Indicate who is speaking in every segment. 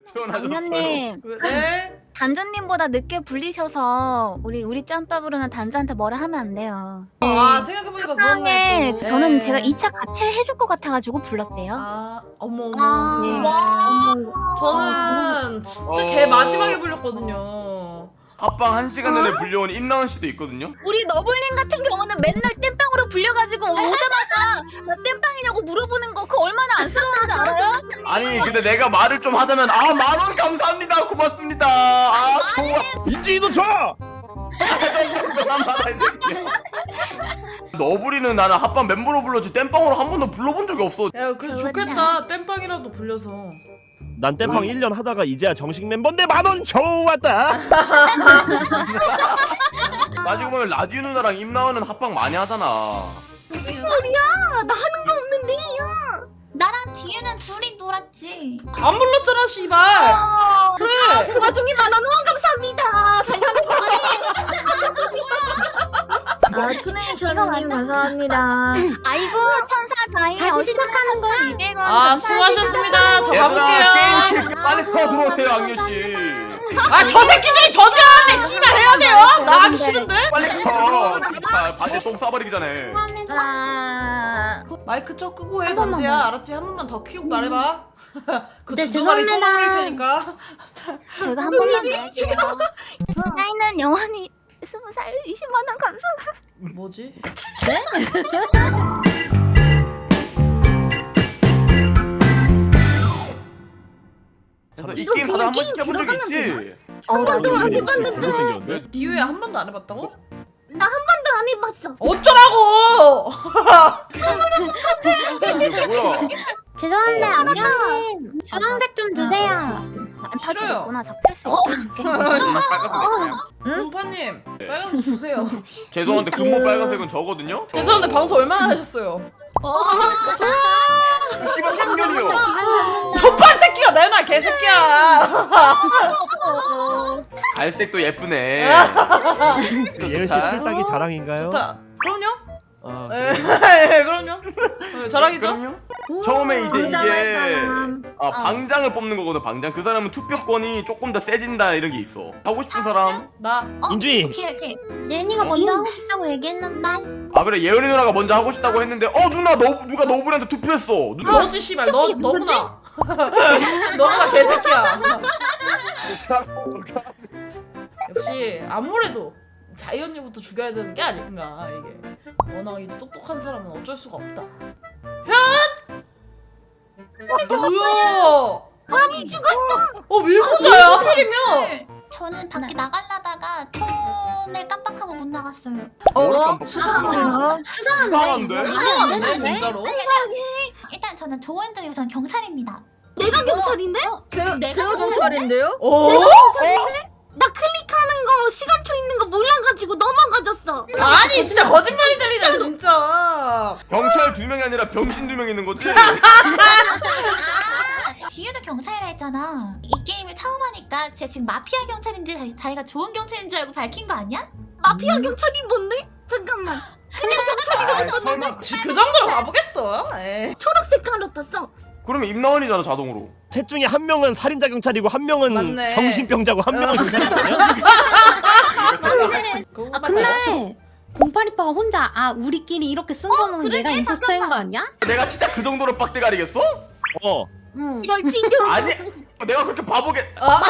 Speaker 1: 단전님,
Speaker 2: 네?
Speaker 1: 단전님보다 늦게 불리셔서 우리 짬밥으로는 단전한테 뭐라 하면 안 돼요.
Speaker 2: 아 생각해보니까
Speaker 1: 상황에
Speaker 2: 그렇네 또.
Speaker 1: 저는
Speaker 2: 네.
Speaker 1: 제가 2차 같이 해줄 것 같아가지고 불렀대요.
Speaker 2: 아 어머 어머
Speaker 1: 아,
Speaker 2: 세상에. 저는 진짜 걔 마지막에 불렸거든요.
Speaker 3: 합방 1시간 전에 불려온 임나은 씨도 있거든요.
Speaker 1: 우리 너블님 같은 경우는 맨날 땜빵으로 불려가지고 오자마자 나 땜빵이냐고 물어보는 거 그거 얼마나 안쓰러운지 알아요?
Speaker 3: 아니 근데 내가 말을 좀 하자면 10,000원 감사합니다 고맙습니다 좋아
Speaker 4: 인지도 줘!
Speaker 3: 너부리는 나는 합방 멤버로 불렀지 땜빵으로 한 번도 불러본 적이 없어.
Speaker 2: 야 그래서 좋겠다 땜빵이라도 불려서.
Speaker 4: 난 땜빵 1년 하다가 이제야 정식 멤버인데 10,000원 좋았다.
Speaker 3: 따지고 보면 라디오 누나랑 임나은은 합방 많이 하잖아.
Speaker 1: 무슨 소리야? 나 하는 거 없는데 야. 나랑 뒤에는 둘이 놀았지.
Speaker 2: 안 불렀잖아 씨발.
Speaker 1: 그래. 그 와중에 10,000원 감사합니다. 잘하는 거
Speaker 5: 아, 투네이션님 감사합니다.
Speaker 1: 아이고 천사 자이
Speaker 5: 다시 시작하는 거야?
Speaker 1: 200원.
Speaker 2: 아 수고하셨습니다. 저 가볼게요.
Speaker 3: 게임 킬 빨리 쳐들어오세요 악녀 씨.
Speaker 2: 아 저 새끼들이 저주하는데 씨발 해야 돼요? 나 하기 싫은데?
Speaker 3: 빨리 쳐. 제발 바지에 똥 싸버리기 전에.
Speaker 5: 아,
Speaker 2: 마이크 쳐 끄고 해
Speaker 5: 한 번만.
Speaker 2: 단지야 알았지? 한 번만 더 키우고 말해봐. 그
Speaker 5: 네,
Speaker 2: 두 마리
Speaker 5: 죄송합니다.
Speaker 2: 떠먹을 테니까.
Speaker 1: 제가 한 번만 말할게요. 나이는 영원히 20살 20만원 감사.
Speaker 2: 뭐지?
Speaker 3: 그래서 이
Speaker 5: 이거
Speaker 3: 게임 다들
Speaker 5: 그냥
Speaker 3: 한 번씩
Speaker 5: 게임
Speaker 3: 해본 적
Speaker 5: 들어가면
Speaker 3: 있지?
Speaker 5: 한 번도 안
Speaker 4: 네,
Speaker 5: 해봤는데.
Speaker 2: 디유야 한 번도 안 해봤다고?
Speaker 5: 나 한 번도 안 해봤어.
Speaker 2: 어쩌라고!
Speaker 3: 이게 뭐야?
Speaker 5: 죄송한데 안녕님 주황색 좀 주세요.
Speaker 1: 안타지
Speaker 2: 싫어요.
Speaker 1: 있구나. 잡힐 수 있게 해줄게.
Speaker 2: 문파님 빨간색 주세요.
Speaker 3: 죄송한데 근본 빨간색은 저거든요?
Speaker 2: 죄송한데 방송 얼마나 하셨어요?
Speaker 3: 씨발 3년이요.
Speaker 2: 족판 새끼가 내놔 개새끼야.
Speaker 3: 갈색도 예쁘네.
Speaker 4: 예은 씨 탈딱이 자랑인가요?
Speaker 2: 좋다. 그럼요?
Speaker 4: 아,
Speaker 2: 네, 그럼요. 네, 자랑이죠?
Speaker 3: 그럼요? 처음에 이제 이게
Speaker 5: 사람.
Speaker 3: 방장을 뽑는 거거든. 방장. 그 사람은 투표권이 조금 더 세진다 이런 게 있어. 하고 싶은 사람.
Speaker 2: 나.
Speaker 4: 인주이.
Speaker 1: 오케이.
Speaker 5: 예은이가 먼저 하고 싶다고 얘기했는데.
Speaker 3: 아 그래 예은이 누나가 먼저 하고 싶다고 했는데 누나 누가 너브리한테 투표했어. 누가?
Speaker 2: 너지 씨발 너구나. 너구나 개새끼야. 역시 아무래도 자이 언니부터 죽여야 되는 게 아닌가 이게. 워낙 이제 똑똑한 사람은 어쩔 수가 없다. 현! 뭐야?
Speaker 5: 밤이 죽었어.
Speaker 2: 밀고자야 하필이면.
Speaker 1: 저는 밖에 나가려다가 폰을 깜빡하고 못 나갔어요.
Speaker 3: 머리 깜빡.
Speaker 5: 수상해요.
Speaker 3: 수상한데?
Speaker 2: 이상한데 진짜로?
Speaker 1: 일단 저는 조원적이고 저는 경찰입니다.
Speaker 5: 내가 경찰인데?
Speaker 1: 제가
Speaker 5: 경찰인데요?
Speaker 2: 어?
Speaker 5: 나 클릭하는 거 시간초 있는 거 몰라가지고 넘어가졌어.
Speaker 2: 아니 진짜 거짓말이 들리잖아 진짜.
Speaker 3: 경찰 2명이 아니라 병신 2명 있는 거지?
Speaker 1: 뒤에도 경찰이라 했잖아. 이 게임을 처음 하니까 제가 지금 마피아 경찰인데 자기가 좋은 경찰인 줄 알고 밝힌 거 아니야?
Speaker 5: 마피아 경찰이 뭔데? 잠깐만.
Speaker 3: 아, 설마
Speaker 2: 그 정도로 가보겠어? 에이.
Speaker 5: 초록색 가루 떴어.
Speaker 3: 그러면 임나은이잖아 자동으로.
Speaker 4: 셋 중에 한 명은 살인자 경찰이고 한 명은
Speaker 2: 맞네.
Speaker 4: 정신병자고 한 명은 경찰이거든요.
Speaker 2: 그거
Speaker 6: 근데 0828가 혼자 우리끼리 이렇게 쓴 거는 얘가 임포스터인 거 아니야?
Speaker 3: 내가 진짜 그 정도로 빡대가리겠어?
Speaker 6: 응.
Speaker 5: 이럴지도.
Speaker 3: 아니 내가 그렇게 바보게.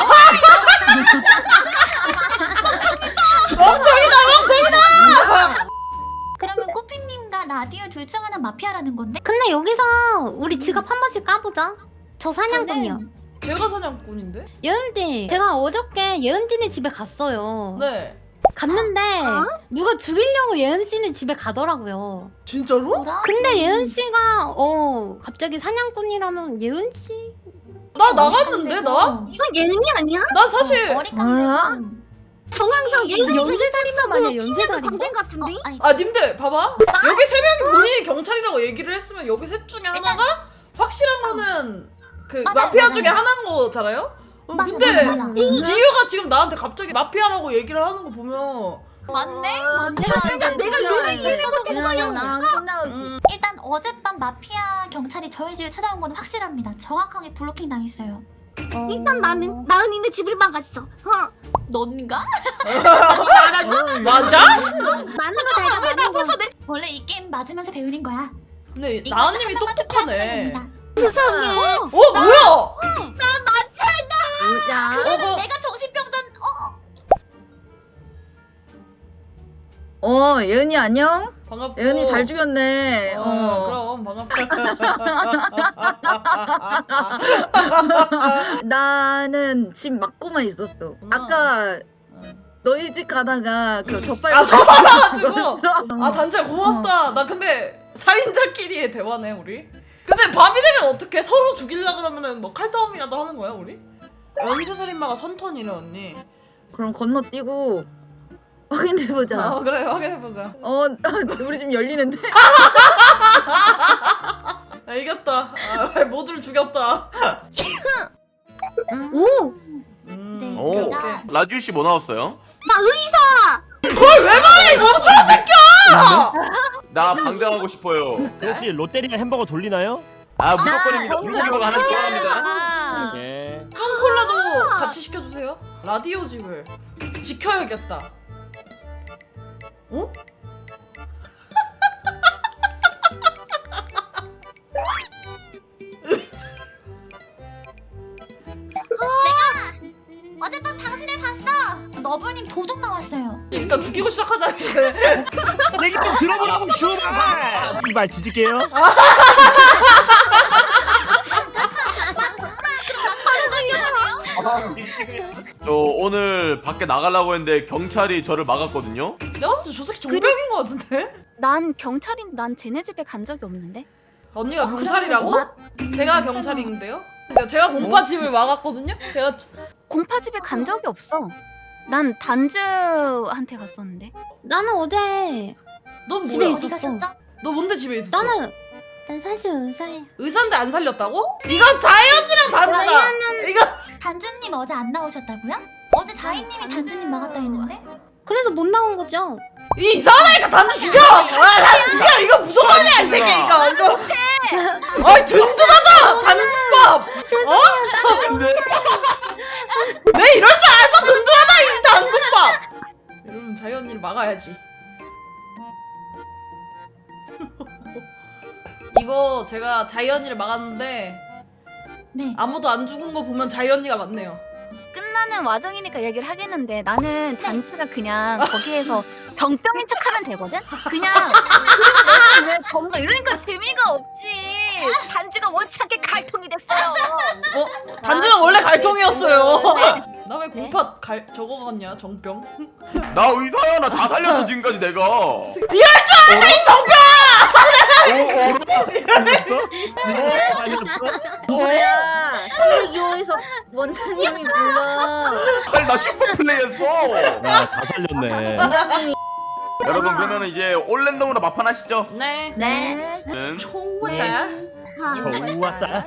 Speaker 1: 그러면 꼬피님과 라디오 둘 중 하나 마피아라는 건데?
Speaker 6: 근데 여기서 우리 지갑 한 번씩 까보자. 저 사냥꾼이요.
Speaker 2: 걔가 사냥꾼인데?
Speaker 6: 예은지, 제가 어저께 예은지네 집에 갔어요.
Speaker 2: 네.
Speaker 6: 갔는데 누가 죽이려고 예은씨네 집에 가더라고요.
Speaker 2: 진짜로?
Speaker 1: 뭐라?
Speaker 6: 근데 예은씨가 갑자기 사냥꾼이라면 예은씨?
Speaker 2: 나 나갔는데 나?
Speaker 5: 이건 예능이 아니야?
Speaker 2: 난 사실
Speaker 1: 머리
Speaker 5: 뭐야?
Speaker 1: 깎는
Speaker 5: 정황상 예능이
Speaker 6: 연쇄살인마 아니야,
Speaker 5: 팀에도
Speaker 6: 연쇄살인마?
Speaker 5: 관계 같은데?
Speaker 2: 아 님들 봐봐 여기 세 명이 본인이 경찰이라고 얘기를 했으면 여기 셋 중에 하나가 확실한 거는 그
Speaker 1: 맞아요,
Speaker 2: 마피아
Speaker 1: 맞아요.
Speaker 2: 중에 하나인 거잖아요?
Speaker 1: 맞아,
Speaker 2: 근데
Speaker 1: 맞아.
Speaker 2: 디유가 지금 나한테 갑자기 마피아라고 얘기를 하는 거 보면
Speaker 1: 맞네?
Speaker 5: 진짜 내가 요리 이해를 못했어요.
Speaker 6: 나랑 끝나고
Speaker 1: 일단 어젯밤 마피아 경찰이 저희 집에 찾아온 건 확실합니다. 정확하게 블로킹 당했어요.
Speaker 5: 일단 나는 나은이네 집을 막았어.
Speaker 1: 넌가?
Speaker 2: 맞아?
Speaker 6: 많은 거 잘가 많은 거.
Speaker 1: 원래 이 게임 맞으면서 배우는 거야.
Speaker 2: 근데
Speaker 1: 이거
Speaker 2: 나은님이
Speaker 1: 한 번만 더
Speaker 2: 똑똑하네.
Speaker 1: 펴주면
Speaker 5: 세상에.
Speaker 2: 뭐야?
Speaker 1: 됩니다. 내가 정신병자.
Speaker 7: 예은이 안녕?
Speaker 2: 반갑고.
Speaker 7: 예은이 잘 죽였네.
Speaker 2: 그럼 반갑다.
Speaker 7: 나는 집 막고만 있었어. 아까 너희 집 가다가 그 덧발.
Speaker 2: 가지고. 단지야 고맙다. 나 근데 살인자끼리의 대화네 우리. 근데 밤이 되면 어떻게 서로 죽이려 그러면은 뭐 칼싸움이라도 하는 거야 우리? 연쇄살인마가 선턴이래 언니.
Speaker 7: 그럼 건너뛰고 확인해보자.
Speaker 2: 그래 확인해보자.
Speaker 7: 우리 집 열리는데.
Speaker 2: 이겼다. 모두를 죽였다.
Speaker 5: 오.
Speaker 1: 네.
Speaker 3: 오.
Speaker 1: 내가
Speaker 3: 라디오 씨 뭐 나왔어요?
Speaker 5: 나 의사.
Speaker 2: 그걸 왜 말해 이 멍청한 새끼야!
Speaker 3: 나 방장하고 싶어요.
Speaker 4: 혹시 롯데리아 햄버거 돌리나요?
Speaker 3: 아 무조건입니다. 불고기버거 하나씩 좋아합니다.
Speaker 1: 아.
Speaker 4: 예.
Speaker 2: 콜라도 같이 시켜주세요. 라디오 집을 지켜야겠다. 어?
Speaker 1: 어젯밤 당신을 봤어. 너블님 도둑 나왔어요.
Speaker 2: 일단 죽이고 시작하자 이제.
Speaker 4: 얘기 좀 들어보라고 슈발. 이발 뒤질게요.
Speaker 3: 저 오늘 밖에 나가려고 했는데 경찰이 저를 막았거든요.
Speaker 2: 내가 봤을 때 저 새끼 정병인 것 같은데?
Speaker 1: 난 경찰인. 난 쟤네 집에 간 적이 없는데.
Speaker 2: 언니가 경찰이라고? 제가 경찰인데요? 그러니까 제가 공파 집을 막았거든요? 제가
Speaker 1: 공파 집에 간 적이 없어. 난 단즈한테 갔었는데.
Speaker 6: 나는 어제
Speaker 2: 넌
Speaker 6: 집에
Speaker 2: 뭐야?
Speaker 6: 있었어.
Speaker 2: 너 뭔데 집에 있었어?
Speaker 6: 난 사실 의사야.
Speaker 2: 의사인데 안 살렸다고? 이건 자이 언니랑 단지다. 이거
Speaker 1: 단즈님 어제 안 나오셨다고요? 어제 자이님이 단즈님 막았다 했는데.
Speaker 6: 그래서 못 나온 거죠.
Speaker 2: 이 이상하니까 단지 죽여! 단지 죽여! 이거 무조건이야 이 새끼 이거! 아이 든든하다! 단국밥!
Speaker 3: 근데
Speaker 2: 내 이럴 줄 알았어 든든하다 이 단국밥! 여러분 자이 언니를 막아야지. 이거 제가 자이 언니를 막았는데
Speaker 1: 네.
Speaker 2: 아무도 안 죽은 거 보면 자이 언니가 맞네요.
Speaker 1: 끝나는 와정이니까 얘기를 하겠는데 나는 단츠가 그냥 거기에서 정병인 척하면 되거든. 그냥 왜 뭔가 이러니까 재미가 없지. 단지가 원치 않게 갈통이 됐어요.
Speaker 2: 단지는 원래 갈통이었어요. 나 왜 공파 저거 같냐 정병?
Speaker 3: 나 의사야. 나 다 살렸어 지금까지 내가.
Speaker 2: 이럴 줄 알아 이 정병!
Speaker 7: 뭐야? 302호에서 원장님이 불러.
Speaker 3: 아니 나 슈퍼 플레이했어.
Speaker 4: 다 살렸네.
Speaker 3: 여러분 그러면 이제 올랜덤으로 막판 하시죠.
Speaker 2: 네.
Speaker 7: 네.
Speaker 2: 좋았다.
Speaker 4: 좋았다.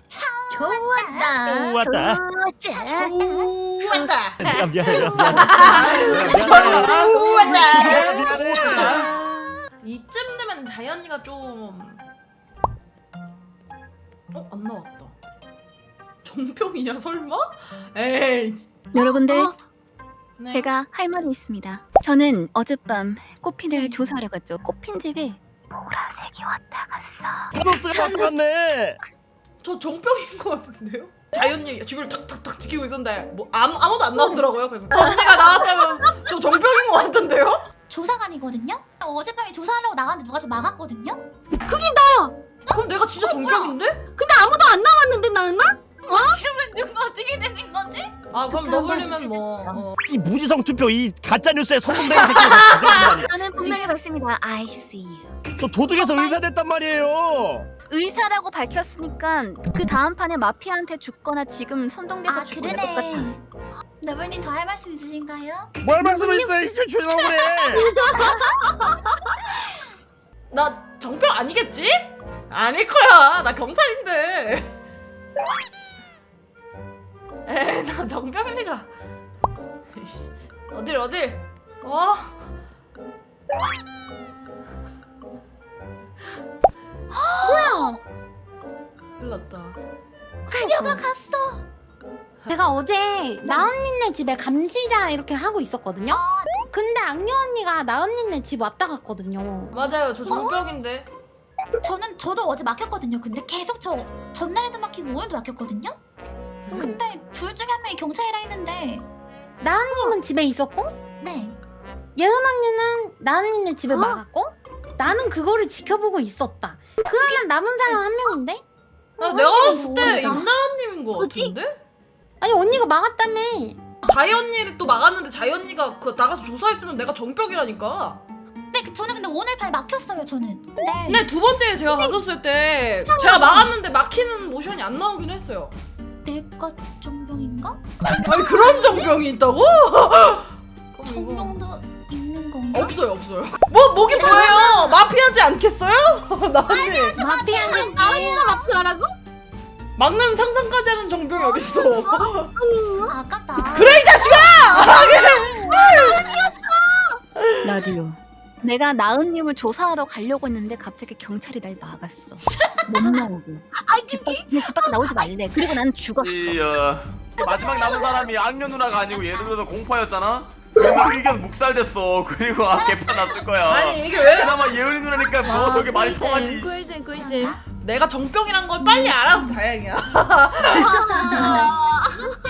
Speaker 7: 좋았다.
Speaker 4: 좋았다.
Speaker 2: 좋았다.
Speaker 4: 미안해요.
Speaker 2: 이쯤 되면 자이 언니가 좀 안 나왔다. 정병이냐 설마? 에이.
Speaker 1: 여러분들
Speaker 2: 네.
Speaker 1: 제가 할 말이 있습니다. 저는 어젯밤 꽃핀을 조사하러 갔죠. 꽃핀 집에 보라색이 왔다 갔어.
Speaker 4: 파도스가 바뀌었네.
Speaker 2: 저 정병인 것 같은데요? 자이 언니 집을 탁탁탁 지키고 있었는데 뭐 아무도 안 나오더라고요. 그래서 언니가 나왔다면 저 정병인 것 같은데요?
Speaker 1: 조사관이거든요. 어젯밤에 조사하려고 나갔는데 누가 좀 막았거든요.
Speaker 2: 그럼 내가 진짜 정병인데?
Speaker 5: 근데 아무도 안 나왔는데 나은아?
Speaker 1: 이러면 누가 어떻게 되는 거지?
Speaker 2: 아 그럼 너블리면 뭐
Speaker 4: 이 무지성 투표 이 가짜 뉴스에 성공된 새끼가
Speaker 1: 저는 분명히 봤습니다. I see you.
Speaker 4: 또 도둑에서 의사 됐단 말이에요.
Speaker 1: 의사라고 밝혔으니까 그 다음 판에 마피아한테 죽거나 지금 선동돼서 죽거나 똑같아. 너블님 더 할 말씀 있으신가요?
Speaker 4: 뭘 말씀했어요? 이제 조용히 그래.
Speaker 2: 나 정병 아니겠지? 아닐 거야. 나 경찰인데. 에이, 나 정병일 리가. 에이씨, 어딜? 와.
Speaker 6: 뭐야?
Speaker 2: 큰일 났다.
Speaker 1: 그녀가 갔어.
Speaker 6: 제가 어제 나은니네 집에 감시자 이렇게 하고 있었거든요. 근데 악녀 언니가 나은니네 집 왔다 갔거든요.
Speaker 2: 맞아요. 저 정병인데.
Speaker 8: 저도 어제 막혔거든요. 근데 계속 저 전날에도 막히고 오늘도 막혔거든요. 근데 둘 중에 한 명이 경찰이라 했는데
Speaker 6: 나은님은 집에 있었고
Speaker 8: 네.
Speaker 6: 예은 언니는 나은니네 집에 막았고 나는 그거를 지켜보고 있었다. 그러면 남은 사람 한 명인데?
Speaker 2: 아, 내가 봤을 때
Speaker 6: 뭐야?
Speaker 2: 임나은님인 거
Speaker 5: 그치?
Speaker 2: 같은데?
Speaker 6: 아니 언니가 막았다며.
Speaker 2: 자이 언니를 또 막았는데 자이 언니가 그 나가서 조사했으면 내가 정병이라니까.
Speaker 8: 네, 저는 근데 오늘 발 막혔어요. 저는. 네.
Speaker 2: 근데 두 번째 제가 갔었을 때 제가 막았는데 막히는 모션이 안 나오긴 했어요.
Speaker 8: 내가 정병인가?
Speaker 2: 아니 그런 정병이 있다고? 그럼 이거
Speaker 8: 정병도 있는 건가?
Speaker 2: 없어요. 뭐기 뭐예요? 마피아지 않겠어요? 나은님
Speaker 6: 마피아는
Speaker 5: 나은이가 마피아라고?
Speaker 2: 막는 상상까지 하는 정병이 어딨어?
Speaker 8: 아깝다.
Speaker 2: 그래 이 자식아!
Speaker 1: 라디오. 내가 나은님을 조사하러 가려고 했는데 갑자기 경찰이 날 막았어. 못 나오고. 집 밖에 나오지 말래. 그리고 난 죽었어.
Speaker 3: 마지막 남은 사람이 악녀 누나가 아니고 예를 들어서 공파였잖아? 그러면 의견 묵살됐어. 그리고 개판 났을 거야.
Speaker 2: 아니 이게 왜
Speaker 3: 그나마 예은이 누나니까 뭐 저게 말이 통하지.
Speaker 7: 꿀잼.
Speaker 2: 내가 정병이란 걸 빨리 알아서 다행이야.